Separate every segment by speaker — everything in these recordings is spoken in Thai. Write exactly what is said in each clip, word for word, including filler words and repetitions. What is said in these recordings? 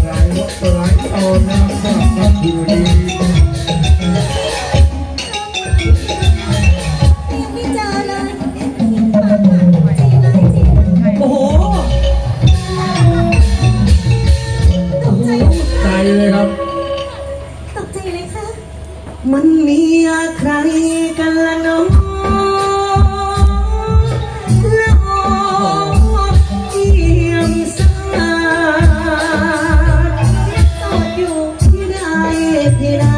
Speaker 1: หลายวัดหลายตอนนะครับสำหรับคืนนี้
Speaker 2: ไม่เจอเลยโอ้โหตกใจ
Speaker 1: ใจเลยครับ
Speaker 2: ตกใจเลยค่ะ
Speaker 3: มันมีใครกันละน้องละออเยี่ยมสายตอดอยู่ที่ใดที่ใด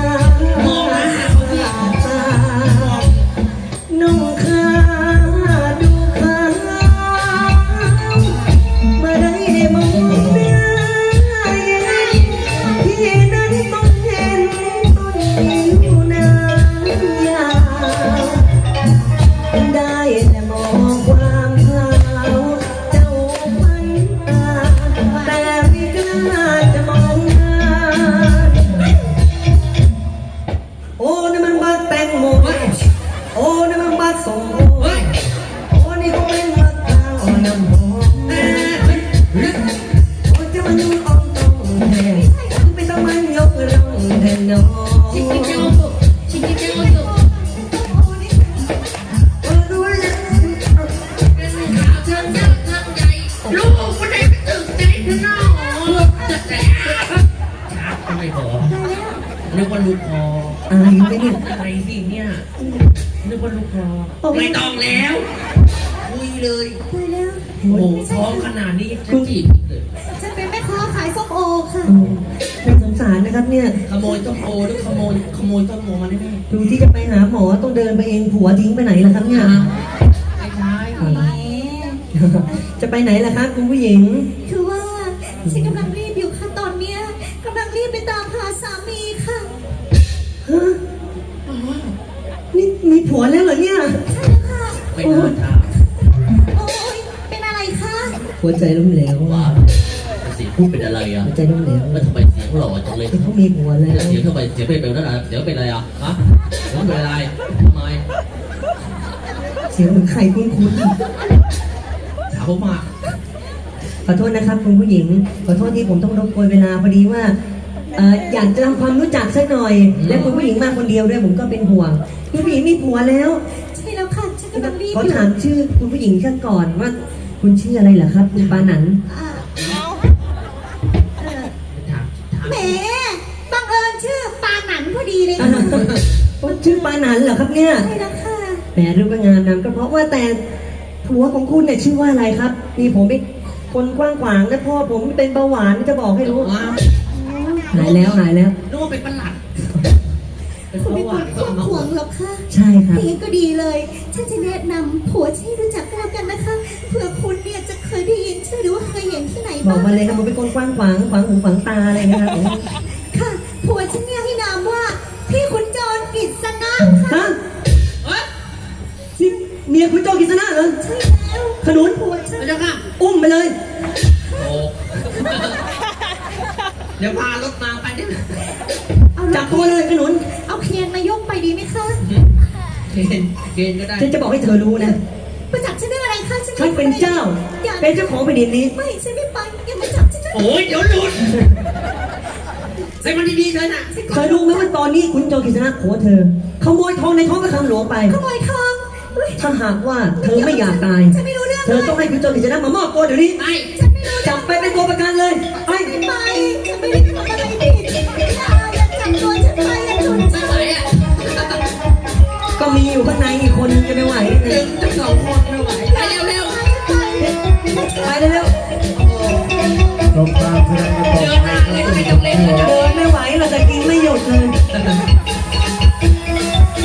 Speaker 3: น้องข้าดูข้าเมื่อได้มองหน้าที่นั้นต้องเห็นต้นนิ้วนางยาวได้แต่มองความขาวเจ้าพันตาแต่ไม่กล้าจะมองหน้าโอ้นั่นมันบักแตงโมโอ้นั่นมันบักส้มโอโอ้นี่ก็เป็นบักกาวน้ำหอมโอ้จะมันนุ่งอ่องตองแท้ไม่ต้องมันยกร้องแทนน้องชิคกี้พายชิคกี้พายโอ้รู้แล้ว
Speaker 4: เป็นขาวเชิงเยอะเชิงใหญ่ลูกคนไหนไปตึกใจเธอหน้าแต่แต่ชักก็ไม่พอนึกว่าลูกคอ
Speaker 3: อะไรไม่เนี่ย
Speaker 4: อะไรสิเนี่ยนึกว่าลูกคอไม่ต้องแล้วคุยเลย
Speaker 2: ตายแล้ว
Speaker 4: โอ้โหท้องขนาดนี้ฉันจีบอีกเลย
Speaker 2: ฉันเป็นแม่ค้าขายส้มโอค่ะ
Speaker 3: โอ้น่าสงสารนะครับเนี่ย
Speaker 4: ขโมยต้นโอหรือขโมยขโมยต้นโมมาได้ไหม
Speaker 3: ดูที่จะไปหาหมอต้องเดินไปเองผัวทิ้งไปไหนล่ะครับเนี่ย
Speaker 4: ไม่ใช่
Speaker 3: จะไปไหนล่ะครับคุณผู้หญิง
Speaker 2: คือว่าฉันกำลังรีบอยู่ค่ะตอนเนี้ยกำลังรีบไปตามหาสามีค่ะ
Speaker 3: ฮะนี่มีผัวแล้วเหรอเนี่ย
Speaker 2: ใช่แล้วค่ะ
Speaker 4: ไม่น่าถาม
Speaker 2: โอ้ยเป็นอะไรคะ
Speaker 3: หัวใจล้มเหลว
Speaker 4: ว่าเสียงพูดเป็นอะไรอ่ะ
Speaker 3: หัวใจล้มเหลว
Speaker 4: แล้วทำไมเสียงหล่อจังเลย
Speaker 3: เขามีผัวแล้ว
Speaker 4: เดี๋ยวทำไมเสียงเป็นแบบนั้นอ่ะเดี๋ยวเป็นอะไรอ่ะฮะเดี๋ยวเป็นอะไรทำไม
Speaker 3: เสียงเหมือนใครคุ้น
Speaker 4: ถามผมมา
Speaker 3: ๆขอโทษนะครับคุณผู้หญิงขอโทษที่ผมต้องรบกวนเวลาพอดีว่าเอ่ออยากจะทำความรู้จักสักหน่อย และคุณผู้หญิงมาคนเดียวด้วยผมก็เป็นห่วงคุณผู้หญิงมีผัวแล้ว
Speaker 2: ใช่แล้วค่ะฉันกำลังรีบ
Speaker 3: ขอ
Speaker 2: อยู่
Speaker 3: ถามชื่อคุณผู้หญิงแค่ก่อนว่า คุณชื่ออะไรเหรอครับคุณปาหนัน
Speaker 2: อ่าเอ่อ
Speaker 4: ถามถาม
Speaker 2: แหมบังเอิญชื่อปาหนันพอดีเลยค่ะ
Speaker 3: ชื่อปาหนันเหรอครับเนี่ย
Speaker 2: ใช่แล้วค่ะ
Speaker 3: แหมรูปงามนามก็เพราะว่าแต่ผัวของคุณเนี่ยชื่อว่าอะไรครับมีผมเป็นคนกว้างขวางนะพ่อผมเป็นเบาหวานจะบอกให้รู้
Speaker 4: ว้าว
Speaker 3: หายแล้วหายแล้ว
Speaker 4: นึกว่าเป็นประหลัดเป็น
Speaker 2: คุณ
Speaker 4: ป
Speaker 2: ไม่
Speaker 4: ระ
Speaker 2: ค
Speaker 4: วั
Speaker 2: วร
Speaker 4: ติ
Speaker 2: ควบขวงหรอกค่ะ
Speaker 3: ใช่ครับ
Speaker 2: อย่างนี้ก็ดีเลย ฉันจะแนะนำผัวที่รู้จักกันแล้วกันนะคะ เผื่อคุณเนี่ยจะเคยได้ยินชื่อหรือว่าเคยเห็นที่ไหน
Speaker 3: บอ
Speaker 2: บ้าก ง
Speaker 3: มาเลยครับผมเป็นคนกว้างขวางขวางหูขวางตาอะไรนะครับผม
Speaker 2: ค่ะ ผัวฉันเนี่ยให้นามว่า พี่ขุนจรกิษณะค่ะ
Speaker 3: ฮะ
Speaker 4: เฮ้ย
Speaker 3: นี่เมียคุณโจกิษณะเหรอ
Speaker 2: ใช่แล้ว
Speaker 3: ขนุน
Speaker 2: ผัวฉัน
Speaker 4: พระเจ้าค่ะ
Speaker 3: อุ้มไปเลย
Speaker 4: โอ้เดี๋ยวพารถมาไปได้ไหม
Speaker 2: เอา
Speaker 3: จับตัวเลยขนุน
Speaker 2: เอาเคียนมายกไปดีไหมคะ
Speaker 4: เกณฑ์เกณฑ์ก็ได้
Speaker 3: ฉันจะบอกให้เธอรู้นะ
Speaker 2: มาจับฉันได้อะไรคะฉัน
Speaker 3: ฉันเป็นเจ้า
Speaker 2: อย่า
Speaker 3: เป็นเจ้าของแผ่นดินนี้
Speaker 2: ไม่ฉันไม่ไปอย่ามาจับฉันนะ
Speaker 4: โอ้ยเดี๋ยวหลุดใส่มันดีๆเลยนะ
Speaker 3: เธอรู้ไหมว่าตอนนี้คุณโจกิษณะผัวเธอขโมยทองในท้องพระคลังหลวงไป
Speaker 2: ขโมยทองอุ๊ย
Speaker 3: ถ้าหากว่าเธอไม่อยากตาย
Speaker 2: ฉันไม่รู้เรื่อง
Speaker 3: เธอต้องให้คุณโจกิษณะมามอบตัวเดี๋ยวนี้
Speaker 4: ไป
Speaker 2: ฉันไม่รู้
Speaker 3: จับไปเป็นตัวประกันเลยไป
Speaker 2: ไม่ไปฉันไม่ได้ทำอะไรผิดอย่าอย่าจับตัวฉันไปอย่าชน
Speaker 4: ไม่
Speaker 2: ฉัน
Speaker 4: ไหวอ่ะ
Speaker 3: ก็มีอยู่ข้างในอีกคนนึงจะไม่ไหว
Speaker 4: ดึงทั้งสองคนไม่ไหว